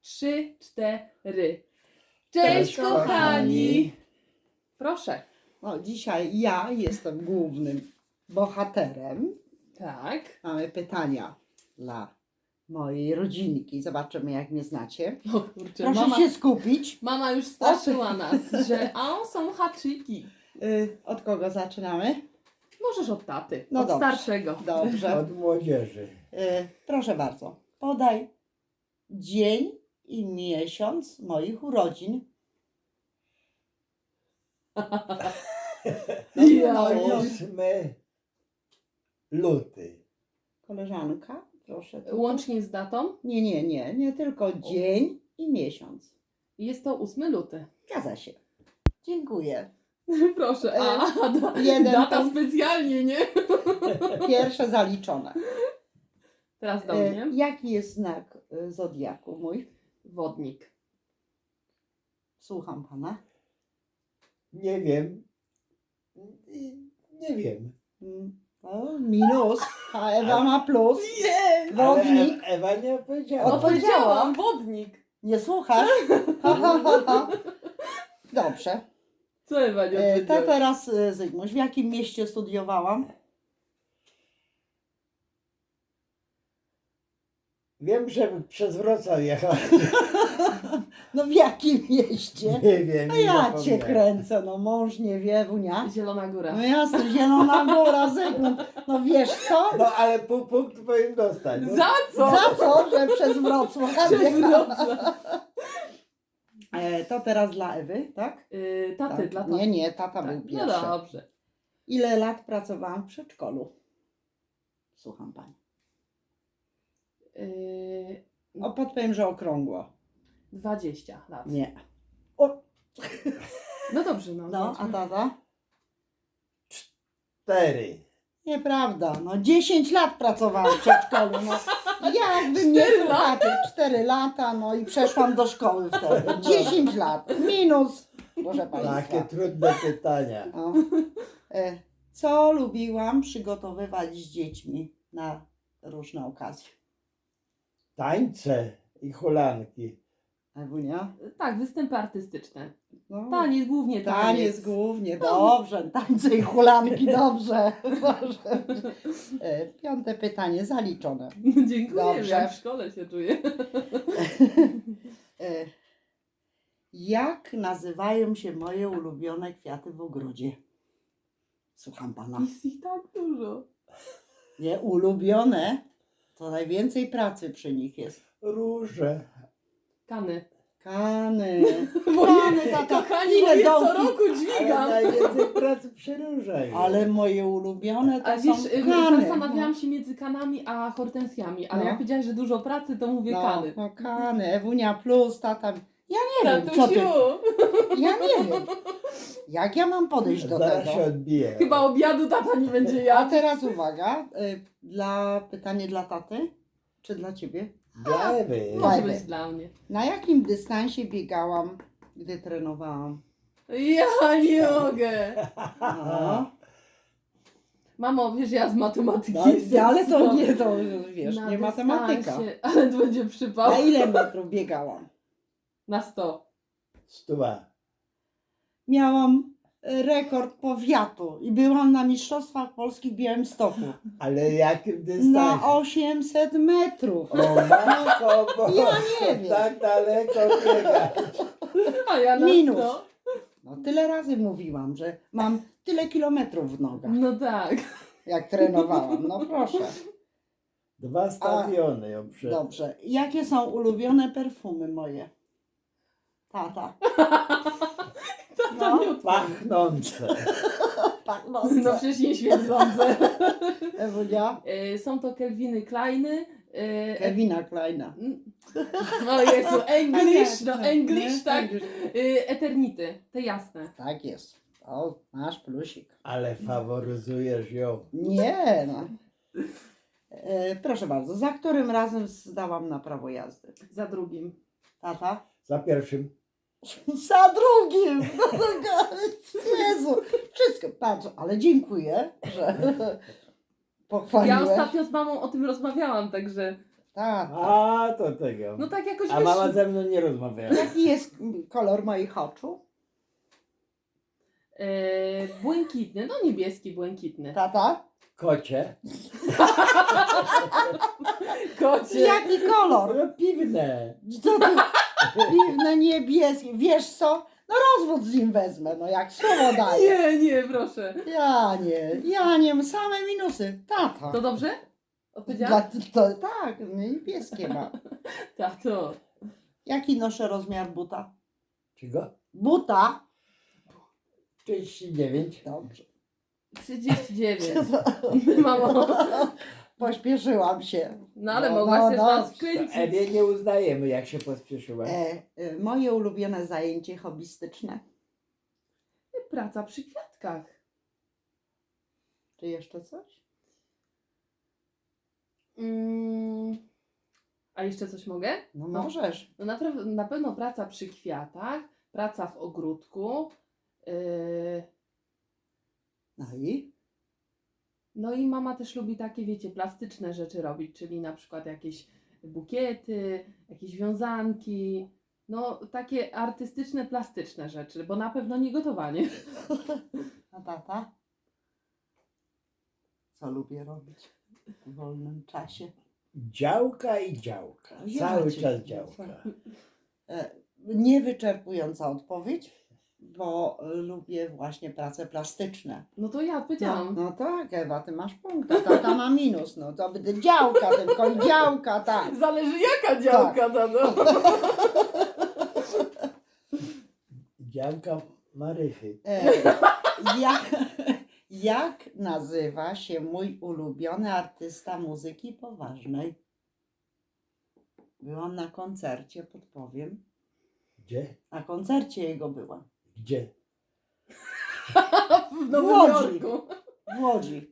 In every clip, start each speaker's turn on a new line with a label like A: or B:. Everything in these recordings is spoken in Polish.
A: 3, 4.
B: Cześć,
A: kochani! Proszę.
B: No, dzisiaj ja jestem głównym bohaterem.
A: Tak.
B: Mamy pytania dla mojej rodzinki. Zobaczymy, jak mnie znacie.
A: O kurczę,
B: Proszę się skupić.
A: mama już straszyła nas, że są haczyki.
B: Od kogo zaczynamy?
A: Możesz od taty,
B: No
A: od
B: dobrze.
A: starszego.
B: Dobrze.
C: Od młodzieży.
B: Proszę bardzo. Podaj dzień i miesiąc moich urodzin.
A: Ja,
B: no,
A: ja.
C: 8 luty.
B: Koleżanka, proszę.
A: Łącznie z datą
B: Nie tylko dzień i miesiąc.
A: jest to 8 luty.
B: Zgadza się. Dziękuję.
A: Proszę.
B: jeden
A: Data
B: punkt.
A: specjalnie, nie?
B: Pierwsze zaliczone.
A: Teraz do mnie.
B: Jaki jest znak zodiaku mój?
A: Wodnik.
B: Słucham pana.
C: Nie wiem. Nie wiem.
B: O, minus, a Ewa ma plus.
A: Nie!
B: Wodnik.
C: Ale Ewa nie powiedziała.
B: Odpowiedziałam.
A: Wodnik.
B: Nie słuchasz? Ha, ha, ha, ha. Dobrze.
A: Co Ewa nie
B: To
A: odpowiedziała?
B: teraz Zygmuś, w jakim mieście studiowałam?
C: Wiem, że przez Wrocław jechał.
B: No w jakim mieście?
C: Nie wiem.
B: A
C: nie
B: ja
C: zapomniałem.
B: cię kręcę, no mąż nie wie, wunia.
A: Zielona Góra.
B: No jasne, Zielona Góra, Zygmunt. No wiesz co?
C: No ale pół punktu powinien dostać. No.
A: Za co?
B: Za co, że przez Wrocław?
A: Przez Wrocław.
B: To teraz dla Ewy, tak?
A: Taty,
B: Tak.
A: dla taty.
B: Nie, tata
A: Tak.
B: był
A: No
B: pierwszy.
A: dobrze.
B: Ile lat pracowałam w przedszkolu? Słucham pani. Podpowiem, że okrągło.
A: 20 lat.
B: Nie. O,
A: No dobrze, no.
B: no, a tata?
C: 4.
B: Nieprawda. No 10 lat pracowałam w przedszkolu. No, jakby mnie
A: 4
B: słuchacie, 4 lata, no i przeszłam do szkoły wtedy. 10 lat. Minus, proszę państwa.
C: Takie trudne pytania.
B: No. Co lubiłam przygotowywać z dziećmi na różne okazje?
C: Tańce i hulanki.
B: Ewunia?
A: Tak, występy artystyczne.
B: No,
A: Taniec, głównie taniec.
B: taniec głównie, dobrze. Tańce i hulanki, dobrze. Dobrze. Piąte pytanie, zaliczone.
A: Dziękuję,
B: Dobrze.
A: jak w szkole się czuję.
B: Jak nazywają się moje ulubione kwiaty w ogrodzie? Słucham pana.
A: Jest ich tak dużo.
B: Nie, ulubione, to najwięcej pracy przy nich jest.
C: Róże.
A: Kany.
B: Kany.
A: Moje
B: tata,
A: kochani,
B: ile
A: moje co
B: dołki?
A: roku
C: Ale
A: dźwigam.
C: najwięcej pracy przy różach.
B: Ale moje ulubione to
A: A wiesz,
B: są kany.
A: zastanawiałam się między kanami a hortensjami, ale
B: No.
A: jak powiedziałaś, że dużo pracy, to mówię kany.
B: No, kany, Ewunia plus, tata. Ja nie wiem, co ty.
A: Tatusiu,
B: Ja nie wiem. Jak ja mam podejść do
C: Zaraz się
B: tego?
C: odbije.
A: chyba obiadu tata nie będzie
B: A
A: jadł.
B: teraz uwaga, pytanie dla taty, czy dla ciebie?
C: Dla Ewy.
A: Może
B: Ewy.
A: być dla mnie.
B: Na jakim dystansie biegałam, gdy trenowałam?
A: Ja nie mogę.
B: No.
A: Mamo, wiesz, ja z matematyki
B: No,
A: jestem
B: ale to
A: słaba.
B: nie, to wiesz,
A: Na
B: nie matematyka.
A: dystansie, ale to będzie przypał.
B: Na ile metrów biegałam?
A: Na 100.
C: 100.
B: Miałam rekord powiatu i byłam na Mistrzostwach Polskich w Białymstoku.
C: Ale jakim dystansie?
B: Na 800 metrów.
C: O matko, bo
B: Ja nie wiem.
C: tak daleko biega.
A: A ja na
B: Minus.
A: 100.
B: No, tyle razy mówiłam, że mam tyle kilometrów w nogach,
A: No tak.
B: jak trenowałam. No proszę.
C: 2 stadiony ją przed.
B: Dobrze. Jakie są ulubione perfumy moje? Tata.
A: Tata nie odpowie.
C: Pachnące.
A: No przecież nie świecące.
B: Ewunia?
A: Są to Kelviny Kleiny.
B: Kevina Kleina.
A: O Jezu, English, no
B: Tak,
A: English,
B: nie?
A: tak.
B: English.
A: Eternity, te jasne.
B: Tak jest. O, masz plusik.
C: Ale faworyzujesz ją.
B: Nie no. Proszę bardzo, za którym razem zdałam na prawo jazdy?
A: Za drugim.
B: Tata?
C: Za pierwszym.
B: Za drugim! Jezu, wszystko, patrz, ale dziękuję, że
A: Ja
B: pochwaliłeś.
A: ostatnio z mamą o tym rozmawiałam, także
B: Tata.
C: A, to tego.
A: No tak jakoś
C: A mama ze mną nie rozmawiała.
B: Jaki jest kolor moich oczu?
A: Błękitny, no niebieski, błękitny.
B: Tata?
C: Kocie.
A: Kocie.
B: Jaki kolor?
C: No piwne.
B: Co ty? Piwne, niebieskie. Wiesz co? No rozwód z nim wezmę, no jak słowo daję.
A: Nie, proszę.
B: Ja nie, same minusy. Tata.
A: To dobrze? Odpowiedziałam?
B: Tak, niebieskie ma.
A: Tato.
B: Jaki noszę rozmiar buta?
C: Czego?
B: Buta?
C: 39.
B: Dobrze.
A: 39. Mamo.
B: Pośpieszyłam się.
A: No ale
B: No,
A: mogłaś
B: no,
A: też
B: no.
A: nas
C: To
A: wkręcić.
C: Ewie nie uznajemy, jak się pospieszyła.
B: Moje ulubione zajęcie hobbystyczne.
A: Praca przy kwiatkach.
B: Czy jeszcze coś?
A: A jeszcze coś mogę?
B: No
A: No.
B: możesz.
A: No na pewno praca przy kwiatach, praca w ogródku.
B: No i?
A: No i mama też lubi takie, wiecie, plastyczne rzeczy robić, czyli na przykład jakieś bukiety, jakieś wiązanki. No takie artystyczne, plastyczne rzeczy, bo na pewno nie gotowanie.
B: A tata? Co lubię robić w wolnym czasie?
C: Działka i działka.
B: Ja
C: Cały
B: cię
C: czas
B: kręcę.
C: działka.
B: Niewyczerpująca odpowiedź, bo lubię właśnie prace plastyczne.
A: No to ja odpowiedziałam.
B: No tak, Ewa, ty masz punkt, a tata ma minus. No to będzie działka, tylko i działka, tak.
A: Zależy jaka działka, tato.
C: Działka Marychy.
B: Jak nazywa się mój ulubiony artysta muzyki poważnej? Byłam na koncercie, podpowiem.
C: Gdzie?
B: Na koncercie jego byłam.
C: Gdzie?
A: W Nowym
B: Łodzi.
A: Jorku.
B: W Łodzi.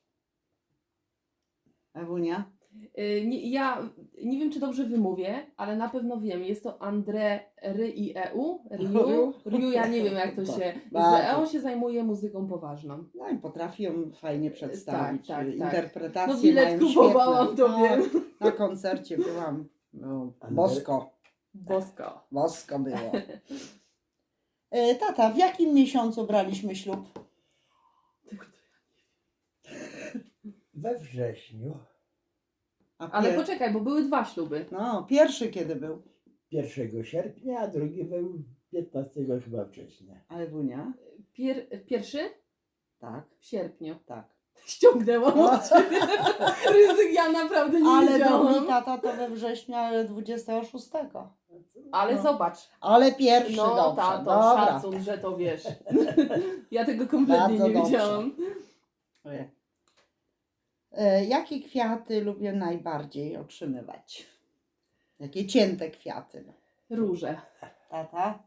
B: Ewunia?
A: Ja nie wiem, czy dobrze wymówię, ale na pewno wiem. Jest to André Rieu. Riu, ja nie wiem, jak to się...
B: Bardzo.
A: On się zajmuje muzyką poważną.
B: No i potrafi ją fajnie przedstawić.
A: Tak.
B: Interpretacje
A: No bilet
B: mają
A: kupowałam,
B: świetne.
A: to wiem.
B: Na koncercie byłam. No, bosko.
A: Bosko.
B: Bosko było. Tata, w jakim miesiącu braliśmy ślub?
C: We wrześniu.
B: A
A: Ale poczekaj, bo były 2 śluby.
B: No, pierwszy kiedy był?
C: 1 sierpnia, a drugi był 15 chyba września.
B: A Ewunia?
A: Pierwszy?
B: Tak,
A: W sierpniu.
B: tak.
A: Ściągnęłam od ciebie. Ryzyk, ja naprawdę nie
B: Ale drugi
A: wiedziałam.
B: tata to we wrześniu, ale 26.
A: Ale
B: No.
A: zobacz.
B: Ale pierwszy,
A: No
B: dobrze.
A: tato,
B: Dobra.
A: szacun, że to wiesz. Ja tego kompletnie
B: Bardzo
A: nie
B: dobrze.
A: wiedziałam.
B: Jakie kwiaty lubię najbardziej otrzymywać? Jakie cięte kwiaty?
A: Róże.
B: Tata?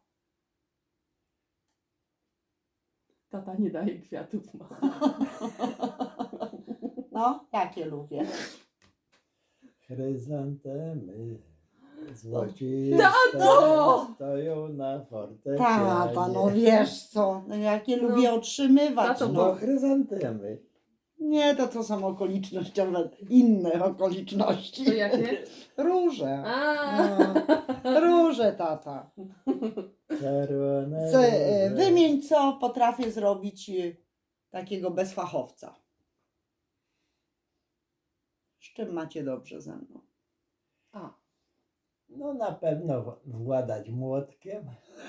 A: Tata nie daje kwiatów.
B: No, jakie lubię?
C: Chryzantemy złociste
A: Tato!
C: stoją na fortepianie.
B: Tata, no wiesz co? No, jakie
A: No.
B: lubię otrzymywać?
A: Tato,
C: No
B: No.
C: chryzantemy.
B: Nie, to są okolicznościowe, inne okoliczności.
A: To jakie?
B: Róże.
A: A.
B: No, róże, tata.
C: Czerwone
B: Co,
C: róże.
B: wymień, co potrafię zrobić takiego bez fachowca. Z czym macie dobrze ze mną?
A: A.
C: No na pewno władać młotkiem.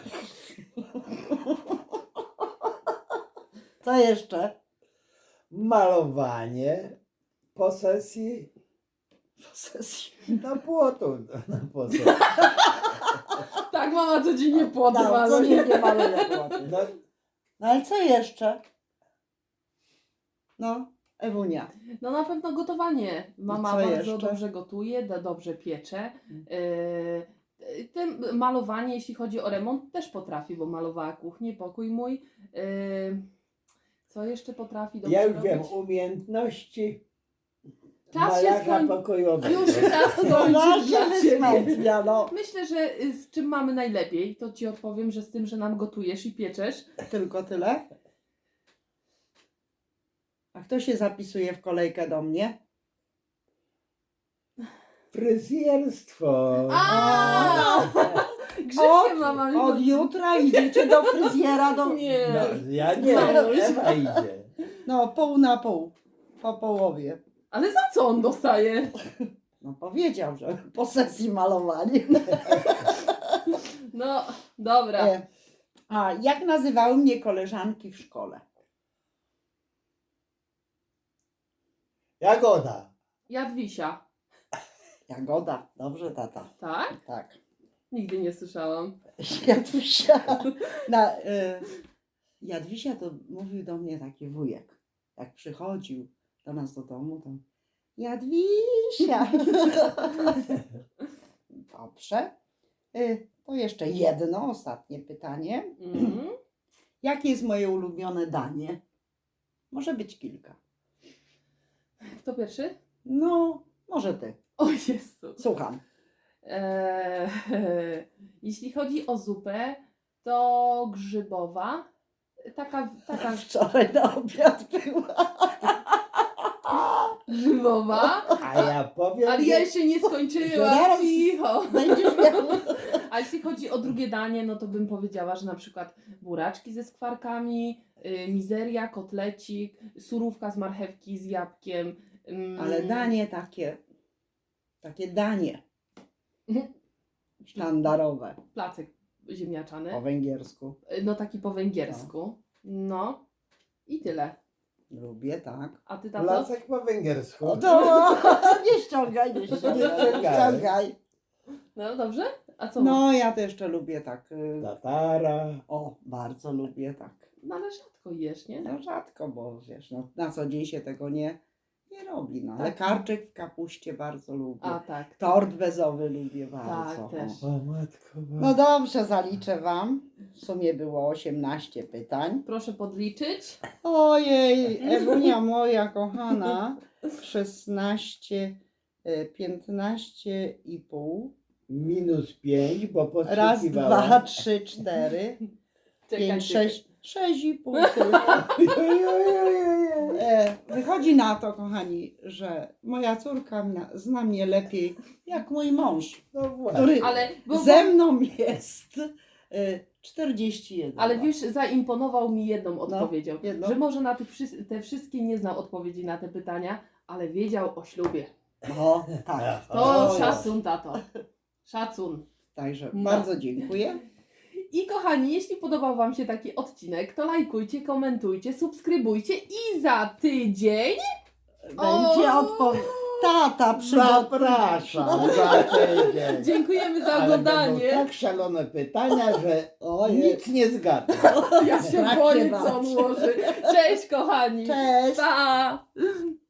B: Co jeszcze?
C: Malowanie posesji
B: Posesji.
C: na płotu. Na posesji.
A: Tak, mama codziennie
B: No,
A: płodwa.
B: co nie maluje płoty.
C: No,
B: No ale co jeszcze? No, Ewunia.
A: No na pewno gotowanie. Mama
B: Co
A: bardzo
B: jeszcze?
A: dobrze gotuje, dobrze piecze. Malowanie, jeśli chodzi o remont, też potrafi, bo malowała kuchnię, pokój mój. Co jeszcze potrafi dobrze
C: ja już
A: robić?
C: wiem, umiejętności
A: Czas się
C: malarza
A: skoń-
C: pokojowego.
A: Już czas skończyć dla ciebie.
B: wysmętnia, no.
A: Myślę, że z czym mamy najlepiej, to ci odpowiem, że z tym, że nam gotujesz i pieczesz.
B: Tylko tyle? A kto się zapisuje w kolejkę do mnie?
C: Fryzjerstwo.
A: A! Grzybkiem
B: Od-
A: mama mi
B: Od
A: chodzi.
B: jutra idziecie do fryzjera,
A: Nie.
C: No, ja nie,
A: Mamuś.
C: Ewa idzie.
B: No, pół na pół. Po połowie.
A: Ale za co on dostaje?
B: No powiedział, że po sesji malowania.
A: No, dobra.
B: A jak nazywały mnie koleżanki w szkole?
C: Jagoda.
A: Jadwisia.
B: Jagoda. Dobrze, tata.
A: Tak?
B: Tak.
A: Nigdy nie słyszałam.
B: Jadwisia. Jadwisia to mówił do mnie taki wujek. Jak przychodził do nas do domu, to Jadwisia. Dobrze. To jeszcze jedno, ostatnie pytanie.
A: Mhm.
B: Jakie jest moje ulubione danie? Może być kilka.
A: Kto pierwszy?
B: No, może ty.
A: O Jezu.
B: Słucham.
A: Eee, jeśli chodzi o zupę, to grzybowa. Taka
B: Wczoraj na obiad była.
A: grzybowa.
C: A ja powiem,
A: Ale ja jeszcze nie skończyłam.
B: Zaraz.
A: Cicho.
B: Będziesz miał.
A: A jeśli chodzi o drugie danie, no to bym powiedziała, że na przykład buraczki ze skwarkami, mizeria, kotlecik, surówka z marchewki z jabłkiem.
B: Ale danie takie danie sztandarowe
A: Placek ziemniaczany.
B: po węgiersku.
A: No taki po węgiersku. No. I tyle.
B: Lubię, tak.
A: A ty, tato?
C: placek po węgiersku.
B: O, to nie ściągaj, nie ściągaj.
A: No dobrze? A co?
B: No, ja też jeszcze lubię tak.
C: Tatara.
B: O, bardzo lubię tak.
A: No ale rzadko jesz, nie?
B: No rzadko, bo wiesz, no, na co dzień się tego nie robi. No, ale
A: Tak.
B: karczyk w kapuście bardzo lubię.
A: A tak.
B: Tort bezowy lubię bardzo.
A: też.
C: O matko.
B: No dobrze, zaliczę Wam. W sumie było 18 pytań.
A: Proszę podliczyć.
B: Ojej, Ewunia moja kochana, 16, 15,5.
C: -5, bo
B: Raz,
C: podsłuchiwała.
B: 2, 3, 4,
A: Czekaj,
B: 5,
A: czekaj.
B: 6, 6,5. Wychodzi na to, kochani, że moja córka zna mnie lepiej jak mój mąż,
C: No właśnie.
B: który
A: Ale,
B: ze mną jest 41.
A: ale
B: lat.
A: wiesz, zaimponował mi jedną odpowiedzią.
B: jedną?
A: Że może na te wszystkie nie znał odpowiedzi na te pytania, ale wiedział o ślubie.
B: No, tak.
A: To
C: O,
A: szacun, tato. Szacun.
B: Także
A: No.
B: bardzo dziękuję.
A: I kochani, jeśli podobał Wam się taki odcinek, to lajkujcie, komentujcie, subskrybujcie i za tydzień
B: Będzie
A: O!
B: odpowiedź. Tata
C: Zapraszam za tydzień.
A: dziękujemy za
C: Ale będą
A: oglądanie.
C: tak szalone pytania, że
B: Ojej.
C: nic nie zgadnę.
A: Ja się
B: Tak się
A: boję,
B: bać.
A: co on ułoży. Cześć kochani.
B: Cześć.
A: Pa!